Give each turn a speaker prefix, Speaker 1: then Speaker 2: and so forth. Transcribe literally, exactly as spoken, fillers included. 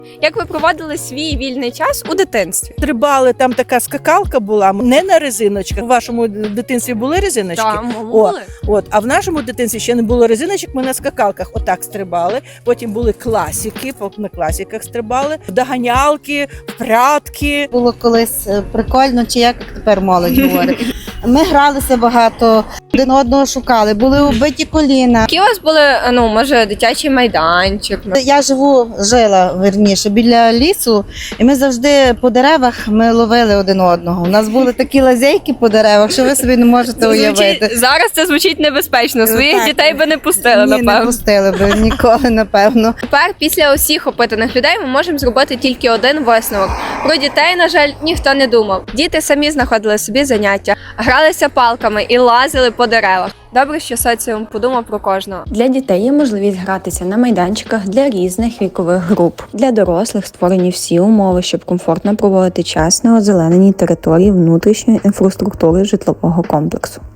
Speaker 1: Як ви проводили свій вільний час у дитинстві?
Speaker 2: Стрибали, там така скакалка була, не на резиночках. У вашому дитинстві були резиночки?
Speaker 1: Там
Speaker 2: О,
Speaker 1: були.
Speaker 2: от, а в нашому дитинстві ще не було резиночок, ми на скакалках отак стрибали. Потім були класики, на класиках стрибали, доганялки, прятки.
Speaker 3: Було колись е, прикольно, чи як тепер молодь говорить. Ми гралися багато, один одного шукали, були убиті коліна.
Speaker 1: Які у вас були, ну, може, дитячий майданчик?
Speaker 3: Я живу, жила верніше, біля лісу, і ми завжди по деревах ми ловили один одного. У нас були такі лазейки по деревах, що ви собі не можете уявити.
Speaker 1: Звучить, зараз це звучить небезпечно. Своїх
Speaker 3: Так.
Speaker 1: дітей би не пустили,
Speaker 3: Ні, не
Speaker 1: напевно.
Speaker 3: пустили би ніколи, напевно.
Speaker 1: Тепер, після усіх опитаних людей, ми можемо зробити тільки один висновок. Про дітей, на жаль, ніхто не думав. Діти самі знаходили собі заняття, гралися палками і лазили по деревах. Добре, що соціум подумав про кожного.
Speaker 4: Для дітей є можливість гратися на майданчиках для різних вікових груп. Для дорослих створені всі умови, щоб комфортно проводити час на озелененій території внутрішньої інфраструктури житлового комплексу.